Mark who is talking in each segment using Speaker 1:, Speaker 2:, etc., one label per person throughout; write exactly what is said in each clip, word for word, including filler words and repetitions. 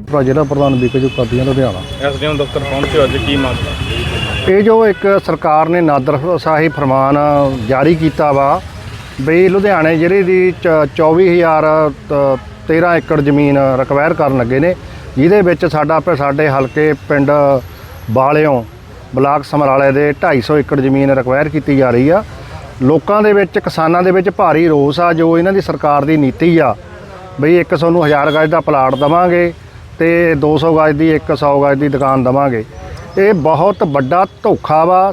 Speaker 1: ਜ਼ਿਲ੍ਹਾ ਪ੍ਰਧਾਨ ਵਿਕੇ ਜੋ ਕਰਦੀਆਂ ਲੁਧਿਆਣਾ।
Speaker 2: ਐਸਡੀਐਮ ਦਫ਼ਤਰ ਪਹੁੰਚੇ ਅੱਜ ਕੀ ਮਾਮਲਾ?
Speaker 1: ਇਹ ਜੋ ਇੱਕ ਸਰਕਾਰ ਨੇ ਨਾਦਰਸ਼ਾਹੀ ਫਰਮਾਨ ਜਾਰੀ ਕੀਤਾ ਵਾ ਵੀ ਲੁਧਿਆਣੇ ਜ਼ਿਲ੍ਹੇ ਦੀ ਚੌਵੀ ਹਜ਼ਾਰ ਤੇਰ੍ਹਾਂ ਏਕੜ ਜ਼ਮੀਨ ਰਿਕਵਾਇਰ ਕਰਨ ਲੱਗੇ ਨੇ, ਜਿਹਦੇ ਵਿੱਚ ਸਾਡਾ ਸਾਡੇ ਹਲਕੇ ਪਿੰਡ ਬਾਲਿਓਂ ਬਲਾਕ ਸਮਰਾਲੇ ਦੇ ਢਾਈ ਸੌ ਏਕੜ ਜ਼ਮੀਨ ਰਿਕਵਾਇਰ ਕੀਤੀ ਜਾ ਰਹੀ ਆ। ਲੋਕਾਂ ਦੇ ਵਿੱਚ, ਕਿਸਾਨਾਂ ਦੇ ਵਿੱਚ ਭਾਰੀ ਰੋਸ ਆ ਜੋ ਇਹਨਾਂ ਦੀ ਸਰਕਾਰ ਦੀ ਨੀਤੀ ਆ ਬਈ ਇੱਕ ਸਾਨੂੰ ਹਜ਼ਾਰ ਗਜ ਦਾ ਪਲਾਟ ਦੇਵਾਂਗੇ ਤੇ ਦੋ ਸੌ ਗਜ ਦੀ ਇੱਕ ਸੌ ਗਜ ਦੀ ਦੁਕਾਨ ਦੇਵਾਂਗੇ। ਇਹ ਬਹੁਤ ਵੱਡਾ ਧੋਖਾ ਵਾ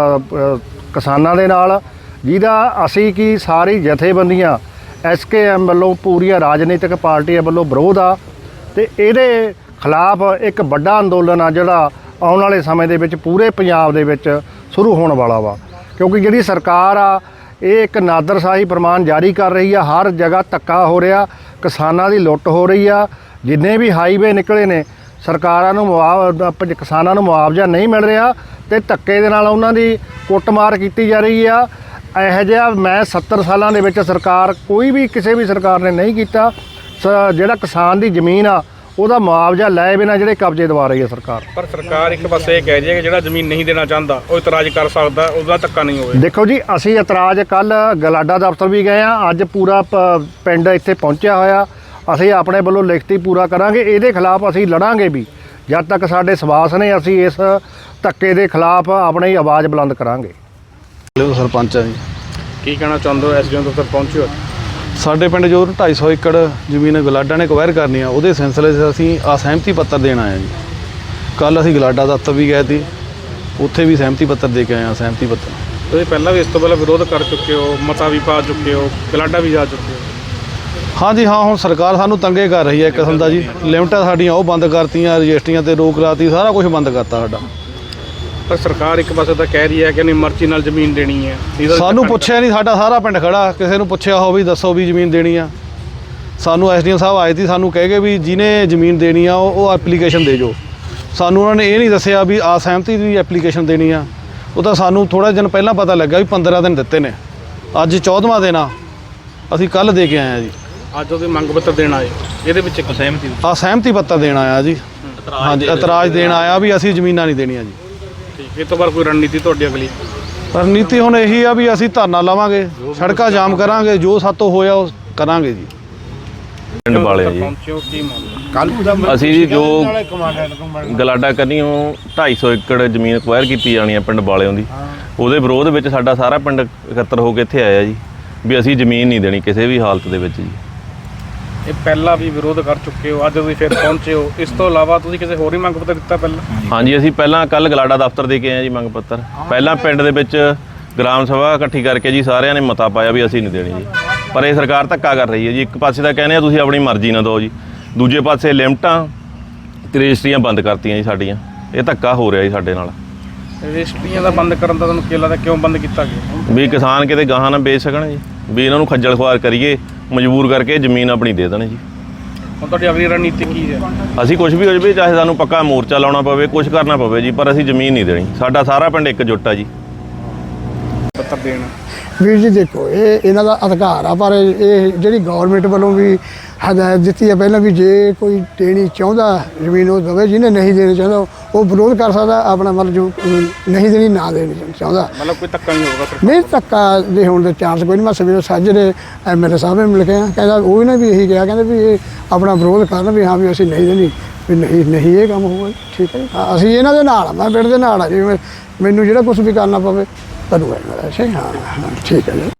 Speaker 1: ਕਿਸਾਨਾਂ ਦੇ ਨਾਲ, ਜਿਹਦਾ ਅਸੀਂ ਕੀ ਸਾਰੀ ਜਥੇਬੰਦੀਆਂ ਐਸ ਕੇ ਐਮ ਵੱਲੋਂ ਪੂਰੀਆਂ ਰਾਜਨੀਤਿਕ ਪਾਰਟੀਆਂ ਵੱਲੋਂ ਵਿਰੋਧ ਆ ਤੇ ਇਹਦੇ ਖਿਲਾਫ ਇੱਕ ਵੱਡਾ ਅੰਦੋਲਨ ਆ ਜਿਹੜਾ ਆਉਣ ਵਾਲੇ ਸਮੇਂ ਦੇ ਵਿੱਚ ਪੂਰੇ ਪੰਜਾਬ ਦੇ ਵਿੱਚ ਸ਼ੁਰੂ ਹੋਣ ਵਾਲਾ ਵਾ। ਕਿਉਂਕਿ ਜਿਹੜੀ ਸਰਕਾਰ ਆ ਇਹ ਇੱਕ ਨਾਦਰਸ਼ਾਹੀ ਫਰਮਾਨ ਜਾਰੀ ਕਰ ਰਹੀ ਆ, ਹਰ ਜਗ੍ਹਾ ਧੱਕਾ ਹੋ ਰਿਹਾ, ਕਿਸਾਨਾਂ ਦੀ ਲੁੱਟ ਹੋ ਰਹੀ ਆ। ਜਿੰਨੇ ਵੀ ਹਾਈਵੇ ਨਿਕਲੇ ਨੇ ਸਰਕਾਰਾਂ ਨੂੰ ਮੁਆਵਜ਼ਾ, ਕਿਸਾਨਾਂ ਨੂੰ ਮੁਆਵਜ਼ਾ ਨਹੀਂ ਮਿਲ ਰਿਹਾ ਤੇ ਧੱਕੇ ਦੇ ਨਾਲ ਉਹਨਾਂ ਦੀ ਕੁੱਟਮਾਰ ਕੀਤੀ ਜਾ ਰਹੀ ਆ। ਇਹੋ ਜਿਹਾ ਮੈਂ ਸੱਤਰ ਸਾਲਾਂ ਦੇ ਵਿੱਚ ਸਰਕਾਰ ਕੋਈ ਵੀ ਕਿਸੇ ਵੀ ਸਰਕਾਰ ਨੇ ਨਹੀਂ ਕੀਤਾ। ਜਿਹੜਾ ਕਿਸਾਨ ਦੀ ਜ਼ਮੀਨ ਆ ਉਹਦਾ ਮੁਆਵਜ਼ਾ ਲੈ ਬਿਨਾਂ ਜਿਹੜੇ ਕਬਜ਼ੇ ਦਵਾ ਰਹੀ ਹੈ ਸਰਕਾਰ।
Speaker 2: ਪਰ ਸਰਕਾਰ ਇੱਕ ਪਾਸੇ ਇਹ ਕਹਿ ਰਹੀ ਹੈ ਕਿ ਜਿਹੜਾ ਜ਼ਮੀਨ ਨਹੀਂ ਦੇਣਾ ਚਾਹੁੰਦਾ ਉਹ ਇਤਰਾਜ਼ ਕਰ ਸਕਦਾ, ਉਹਦਾ ਧੱਕਾ ਨਹੀਂ ਹੋਵੇ।
Speaker 1: ਦੇਖੋ ਜੀ, ਅਸੀਂ ਇਤਰਾਜ਼ ਕੱਲ੍ਹ ਗਲਾਡਾ ਦਫ਼ਤਰ ਵੀ ਗਏ ਆ, ਅੱਜ ਪੂਰਾ ਪਿੰਡ ਇੱਥੇ ਪਹੁੰਚਿਆ ਹੋਇਆ। ਅਸੀਂ ਆਪਣੇ ਵੱਲੋਂ ਲਿਖਤੀ ਪੂਰਾ ਕਰਾਂਗੇ, ਇਹਦੇ ਖਿਲਾਫ ਅਸੀਂ ਲੜਾਂਗੇ ਵੀ ਜਦ ਤੱਕ ਸਾਡੇ ਸਵਾਸ ਨੇ। ਅਸੀਂ ਇਸ ਧੱਕੇ ਦੇ ਖਿਲਾਫ ਆਪਣੀ ਆਵਾਜ਼ ਬੁਲੰਦ ਕਰਾਂਗੇ।
Speaker 3: ਸਰਪੰਚ ਆ ਜੀ,
Speaker 2: ਕੀ ਕਹਿਣਾ ਚਾਹੁੰਦੇ ਹੋ? ਐਸਡੀਐਮ ਦਫ਼ਤਰ ਪਹੁੰਚੇ ਹੋ?
Speaker 3: ਸਾਡੇ ਪਿੰਡ ਜੋ ਢਾਈ ਸੌ ਏਕੜ ਜ਼ਮੀਨ ਗਲਾਡਾ ਨੇ ਅਕਵਾਇਰ ਕਰਨੀ ਆ, ਉਹਦੇ ਸਿਲਸਿਲੇ 'ਚ ਅਸੀਂ ਆ ਸਹਿਮਤੀ ਪੱਤਰ ਦੇਣ ਆਏ ਹਾਂ ਜੀ। ਕੱਲ੍ਹ ਅਸੀਂ ਗਲਾਡਾ ਦਫ਼ਤਰ ਵੀ ਗਏ ਸੀ, ਉੱਥੇ ਵੀ ਸਹਿਮਤੀ ਪੱਤਰ ਦੇ ਕੇ ਆਏ ਹਾਂ। ਸਹਿਮਤੀ ਪੱਤਰ
Speaker 2: ਤੁਸੀਂ ਪਹਿਲਾਂ ਵੀ ਇਸ ਤੋਂ ਪਹਿਲਾਂ ਵਿਰੋਧ ਕਰ ਚੁੱਕੇ ਹੋ, ਮਤਾ ਵੀ ਪਾ ਚੁੱਕੇ ਹੋ, ਗਲਾਡਾ ਵੀ ਜਾ ਚੁੱਕੇ ਹੋ।
Speaker 3: ਹਾਂਜੀ ਹਾਂ, ਹੁਣ ਸਰਕਾਰ ਸਾਨੂੰ ਤੰਗੇ ਕਰ ਰਹੀ ਹੈ ਇੱਕ ਕਿਸਮ ਦਾ ਜੀ। ਲਿਮਟਾਂ ਸਾਡੀਆਂ ਉਹ ਬੰਦ ਕਰਤੀਆਂ, ਰਜਿਸਟਰੀਆਂ 'ਤੇ ਰੋਕ ਲਾਤੀ, ਸਾਰਾ ਕੁਝ ਬੰਦ ਕਰਤਾ ਸਾਡਾ।
Speaker 2: ਪਰ ਸਰਕਾਰ ਇੱਕ ਪਾਸੇ ਤਾਂ ਕਹਿ ਰਹੀ ਹੈ ਕਿ ਨਹੀਂ ਮਰਜ਼ੀ ਨਾਲ ਜ਼ਮੀਨ ਦੇਣੀ ਹੈ।
Speaker 3: ਸਾਨੂੰ ਪੁੱਛਿਆ ਨਹੀਂ, ਸਾਡਾ ਸਾਰਾ ਪਿੰਡ ਖੜਾ, ਕਿਸੇ ਨੂੰ ਪੁੱਛਿਆ ਹੋ ਵੀ ਦੱਸੋ ਵੀ ਜ਼ਮੀਨ ਦੇਣੀ ਆ। ਸਾਨੂੰ ਐਸਡੀਐਮ ਸਾਹਿਬ ਆਏ ਸੀ, ਸਾਨੂੰ ਕਹਿ ਗਏ ਵੀ ਜਿਹਨੇ ਜ਼ਮੀਨ ਦੇਣੀ ਆ ਉਹ ਐਪਲੀਕੇਸ਼ਨ ਦੇ ਜੋ। ਸਾਨੂੰ ਉਹਨਾਂ ਨੇ ਇਹ ਨਹੀਂ ਦੱਸਿਆ ਵੀ ਆ ਸਹਿਮਤੀ ਦੀ ਐਪਲੀਕੇਸ਼ਨ ਦੇਣੀ ਆ। ਉਹ ਤਾਂ ਸਾਨੂੰ ਥੋੜ੍ਹਾ ਦਿਨ ਪਹਿਲਾਂ ਪਤਾ ਲੱਗਾ ਵੀ ਪੰਦਰਾਂ ਦਿਨ ਦਿੱਤੇ ਨੇ, ਅੱਜ ਚੌਦਵਾਂ ਦਿਨ ਆ। ਅਸੀਂ ਕੱਲ੍ਹ ਦੇ ਕੇ ਆਏ ਹਾਂ ਜੀ।
Speaker 2: ਅੱਜ ਉਹਦੇ ਮੰਗ ਪੱਤਰ ਦੇਣ ਆਏ, ਇਹਦੇ ਵਿੱਚ ਇੱਕ ਸਹਿਮਤੀ
Speaker 3: ਆ ਸਹਿਮਤੀ ਪੱਤਰ ਦੇਣ ਆਇਆ ਜੀ। ਹਾਂਜੀ, ਇਤਰਾਜ਼ ਦੇਣ ਆਇਆ ਵੀ ਅਸੀਂ ਜ਼ਮੀਨਾਂ ਨਹੀਂ ਦੇਣੀਆਂ ਜੀ।
Speaker 2: ਠੀਕ, ਇਹ ਤੋਂ ਬਾਅਦ ਕੋਈ ਰਣਨੀਤੀ ਤੁਹਾਡੀ ਅਗਲੀ?
Speaker 3: ਰਣਨੀਤੀ ਹੁਣ ਇਹੀ ਆ ਵੀ ਅਸੀਂ ਧਰਨਾ ਲਾਵਾਂਗੇ, ਸੜਕਾਂ ਜਾਮ ਕਰਾਂਗੇ, ਜੋ ਸਾਤੋਂ ਹੋਇਆ ਉਹ ਕਰਾਂਗੇ ਜੀ।
Speaker 4: ਪਿੰਡ ਵਾਲੇ ਜੀ ਅਸੀਂ ਜੀ ਜੋ ਗਲਾਡਾ ਕੰਨੀਓ ਢਾਈ ਸੌ ਏਕੜ ਜ਼ਮੀਨ ਅਕਵਾਇਰ ਕੀਤੀ ਜਾਣੀ ਹੈ ਪਿੰਡ ਵਾਲਿਆਂ ਦੀ, ਉਹਦੇ ਵਿਰੋਧ ਵਿੱਚ ਸਾਡਾ ਸਾਰਾ ਪਿੰਡ ਇਕੱਤਰ ਹੋ ਕੇ ਇੱਥੇ ਆਇਆ ਜੀ ਵੀ ਅਸੀਂ ਜ਼ਮੀਨ ਨਹੀਂ ਦੇਣੀ ਕਿਸੇ ਵੀ ਹਾਲਤ ਦੇ ਵਿੱਚ ਜੀ।
Speaker 2: ਇਹ ਪਹਿਲਾਂ ਵੀ ਵਿਰੋਧ ਕਰ ਚੁੱਕੇ ਹੋ, ਅੱਜ ਤੁਸੀਂ ਫਿਰ ਪਹੁੰਚੇ ਹੋ। ਇਸ ਤੋਂ ਇਲਾਵਾ ਤੁਸੀਂ ਕਿਸੇ ਹੋਰ ਹੀ ਮੰਗ ਪੱਤਰ ਦਿੱਤਾ ਪਹਿਲਾਂ?
Speaker 4: ਹਾਂਜੀ, ਅਸੀਂ ਪਹਿਲਾਂ ਕੱਲ੍ਹ ਗਲਾਡਾ ਦਫ਼ਤਰ ਦੇ ਕੇ ਆਏ ਜੀ ਮੰਗ ਪੱਤਰ। ਪਹਿਲਾਂ ਪਿੰਡ ਦੇ ਵਿੱਚ ਗ੍ਰਾਮ ਸਭਾ ਇਕੱਠੀ ਕਰਕੇ ਜੀ ਸਾਰਿਆਂ ਨੇ ਮਤਾ ਪਾਇਆ ਵੀ ਅਸੀਂ ਨਹੀਂ ਦੇਣੀ ਜੀ। ਪਰ ਇਹ ਸਰਕਾਰ ਧੱਕਾ ਕਰ ਰਹੀ ਹੈ ਜੀ। ਇੱਕ ਪਾਸੇ ਤਾਂ ਕਹਿੰਦੇ ਆ ਤੁਸੀਂ ਆਪਣੀ ਮਰਜ਼ੀ ਨਾਲ ਦਿਓ ਜੀ, ਦੂਜੇ ਪਾਸੇ ਲਿਮਟਾਂ ਤੇ ਰਜਿਸਟਰੀਆਂ ਬੰਦ ਕਰਤੀਆਂ ਜੀ ਸਾਡੀਆਂ। ਇਹ ਧੱਕਾ ਹੋ ਰਿਹਾ ਜੀ ਸਾਡੇ ਨਾਲ।
Speaker 2: ਰਜਿਸਟਰੀਆਂ ਦਾ ਬੰਦ ਕਰਨ ਦਾ ਤੁਹਾਨੂੰ ਕੀ ਲੱਗਦਾ, ਕਿਉਂ ਬੰਦ ਕੀਤਾ ਗਿਆ?
Speaker 4: ਵੀ ਕਿਸਾਨ ਕਿਤੇ ਗਾਹਾਂ ਨਾ ਵੇਚ ਸਕਣ ਜੀ, ਵੀ ਇਹਨਾਂ ਨੂੰ ਖੱਜਲ ਖੁਆਰ ਕਰੀਏ, ਮਜਬੂਰ ਕਰਕੇ ਜ਼ਮੀਨ ਆਪਣੀ ਦੇ ਦੇਣ ਜੀ।
Speaker 2: ਹੁਣ ਤੁਹਾਡੀ ਅਗਲੀ ਰਣਨੀਤੀ ਕੀ ਹੈ?
Speaker 4: ਅਸੀਂ ਕੁਝ ਵੀ ਹੋ ਜਾਵੇ, ਚਾਹੇ ਸਾਨੂੰ ਪੱਕਾ ਮੋਰਚਾ ਲਾਉਣਾ ਪਵੇ, ਕੁਝ ਕਰਨਾ ਪਵੇ ਜੀ, ਪਰ ਅਸੀਂ ਜ਼ਮੀਨ ਨਹੀਂ ਦੇਣੀ। ਸਾਡਾ ਸਾਰਾ ਪਿੰਡ ਇੱਕਜੁੱਟ ਆ ਜੀ।
Speaker 2: ਪੱਤਰ ਦੇਣਾ
Speaker 5: ਵੀਰ ਜੀ ਦੇਖੋ, ਇਹ ਇਹਨਾਂ ਦਾ ਅਧਿਕਾਰ ਆ, ਪਰ ਇਹ ਜਿਹੜੀ ਗੌਰਮੈਂਟ ਵੱਲੋਂ ਵੀ ਹਦਾਇਤ ਦਿੱਤੀ ਹੈ ਪਹਿਲਾਂ ਵੀ ਜੇ ਕੋਈ ਦੇਣੀ ਚਾਹੁੰਦਾ ਜ਼ਮੀਨ ਉਹ ਦੇਵੇ, ਜਿਹਨੇ ਨਹੀਂ ਦੇਣੀ ਚਾਹੁੰਦਾ ਉਹ ਵਿਰੋਧ ਕਰ ਸਕਦਾ ਆਪਣਾ, ਮਤਲਬ ਜੋ ਨਹੀਂ ਦੇਣੀ ਨਾ ਦੇਣੀ ਚਾਹੁੰਦਾ।
Speaker 2: ਮਤਲਬ ਕੋਈ ਧੱਕਾ ਨਹੀਂ ਹੋਊਗਾ?
Speaker 5: ਨਹੀਂ, ਧੱਕਾ ਦੇ ਹੋਣ ਦੇ ਚਾਂਸ ਕੋਈ ਨਹੀਂ। ਮੈਂ ਸਵੇਰੇ ਸਾਜਰੇ ਐਮ ਐਲ ਏ ਸਾਹਿਬ ਨੂੰ ਮਿਲ ਕੇ ਆ, ਕਹਿੰਦਾ ਉਹ ਵੀ ਨੇ ਵੀ ਇਹੀ ਕਿਹਾ, ਕਹਿੰਦੇ ਵੀ ਇਹ ਆਪਣਾ ਵਿਰੋਧ ਕਰਨ ਵੀ ਹਾਂ ਵੀ ਅਸੀਂ ਨਹੀਂ ਦੇਣੀ, ਵੀ ਨਹੀਂ ਨਹੀਂ ਇਹ ਕੰਮ ਹੋਊਗਾ। ਠੀਕ ਹੈ ਜੀ, ਅਸੀਂ ਇਹਨਾਂ ਦੇ ਨਾਲ ਆ, ਮੈਂ ਪਿੰਡ ਦੇ ਨਾਲ ਆ ਜੀ। ਮੈਨੂੰ ਜਿਹੜਾ ਕੁਛ ਵੀ ਕਰਨਾ ਪਵੇ ਕਰੂਗਾ। ਅੱਛਾ, ਹਾਂ ਹਾਂ ਠੀਕ ਹੈ ਜੀ।